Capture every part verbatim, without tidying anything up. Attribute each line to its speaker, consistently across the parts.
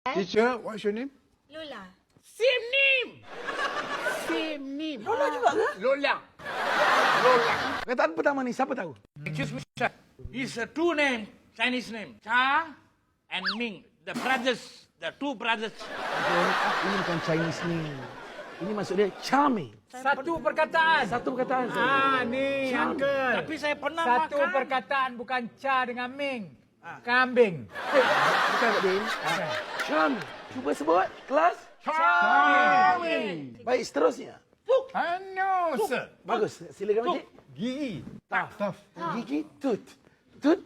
Speaker 1: Teacher, what's your name?
Speaker 2: Lola.
Speaker 1: Same name. Same name.
Speaker 3: Lola juga ke?
Speaker 1: Lola. Lola.
Speaker 3: Perkataan pertama ni siapa tahu?
Speaker 4: Excuse me, sir. It's a two name, Chinese name. Cha and Ming. The brothers. The two brothers.
Speaker 3: Ini bukan Chinese ni. Ini maksud dia charming.
Speaker 5: Satu perkataan.
Speaker 3: Satu perkataan.
Speaker 5: Ah, ni,
Speaker 3: Charming.
Speaker 5: Uncle.
Speaker 4: Tapi saya pernah
Speaker 5: Satu
Speaker 4: makan.
Speaker 5: perkataan bukan cha dengan ming. Kambing.
Speaker 3: Eh, bukan Pak Din. Ah, charming. Cuba sebut. Kelas.
Speaker 5: Charming.
Speaker 3: Baik, seterusnya.
Speaker 1: I know, sir.
Speaker 3: Bagus. Silakan Encik.
Speaker 1: Gigi. Tough. Tough.
Speaker 3: Gigi tut. Tut.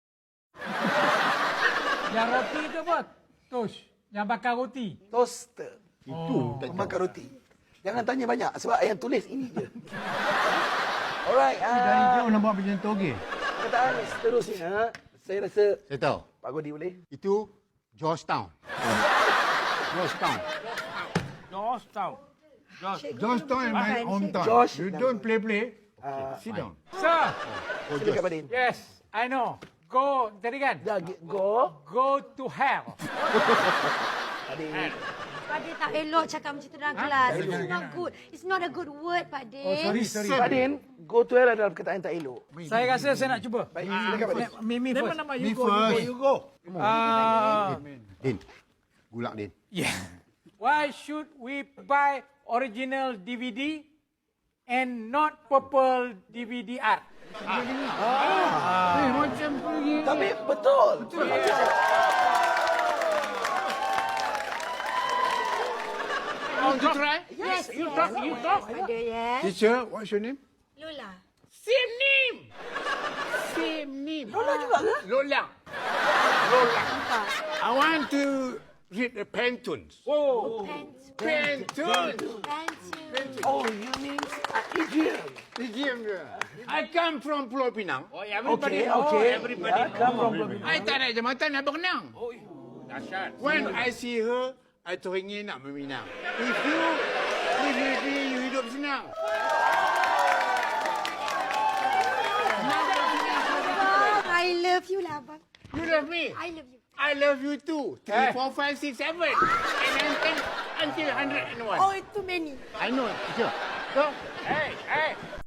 Speaker 5: Yang roti tu apa? Tosh. Yang bakar roti.
Speaker 3: Toaster.
Speaker 1: Itu.
Speaker 3: Pemakan roti. Jangan tanya banyak sebab yang tulis ini je. Alright.
Speaker 1: Dari
Speaker 3: Uh,
Speaker 1: jauh nampak macam toge.
Speaker 3: perkataan seterusnya. Saya rasa
Speaker 6: Saya tahu.
Speaker 3: Pak Godi boleh.
Speaker 6: Itu Georgetown. Georgetown.
Speaker 4: Georgetown. George.
Speaker 1: Georgetown in my hometown.
Speaker 3: Josh.
Speaker 1: You don't play play.
Speaker 3: Uh,
Speaker 1: Sit down.
Speaker 5: Sir.
Speaker 3: Silakan Pak Din.
Speaker 5: Yes, I know. Go, tadi kan?
Speaker 3: Dah, go.
Speaker 5: Go to hell.
Speaker 3: Pak Din.
Speaker 2: Pak Din tak elok cakap macam tu dalam kelas. It's not good. It's not a good word, Pak Din.
Speaker 5: Oh, sorry, sorry.
Speaker 3: Pak Din, go to hell adalah perkataan yang tak elok.
Speaker 5: Saya rasa saya nak cuba.
Speaker 3: Baik, silakan Pak Din.
Speaker 5: Mimi first.
Speaker 4: Nama
Speaker 1: Me
Speaker 4: you go,
Speaker 1: first.
Speaker 4: you go, you go.
Speaker 5: Ah,
Speaker 6: Din. Gulak, Din.
Speaker 5: yeah. Why should we buy original D V D and not purple D V D art?
Speaker 1: Eh, macam pergi.
Speaker 3: Tapi betul. Betul.
Speaker 4: Want to try?
Speaker 2: Yes,
Speaker 4: You
Speaker 2: yes.
Speaker 4: talk, you talk.
Speaker 2: Pak Din, yes.
Speaker 1: Teacher, what's your name?
Speaker 2: Lola.
Speaker 4: Same name.
Speaker 1: Same name.
Speaker 3: Lola juga ke?
Speaker 4: Lola. Lola.
Speaker 1: I want to read the Pantoons.
Speaker 4: Oh.
Speaker 2: Pants.
Speaker 1: Pantoons.
Speaker 2: Pants.
Speaker 3: Oh, you mean uh, idiom.
Speaker 1: Idiom ke? I come from Pulau Pinang.
Speaker 4: Oh, everybody.
Speaker 3: Okay, okay.
Speaker 4: Oh, everybody.
Speaker 3: Yeah, come from Pulau
Speaker 1: I tak naik jambatan nak berenang.
Speaker 4: Oh, dahsyat.
Speaker 1: When I see her, I teringin nak meminang. If you live with me, you hidup senang.
Speaker 2: Abang, I love you lah, Abang.
Speaker 1: You love me.
Speaker 2: I love you.
Speaker 1: I love you too. Three, four, five, six, seven. And then ten until hundred and one.
Speaker 2: Oh, too many.
Speaker 1: I know, teacher. Go.
Speaker 4: Hey, hey.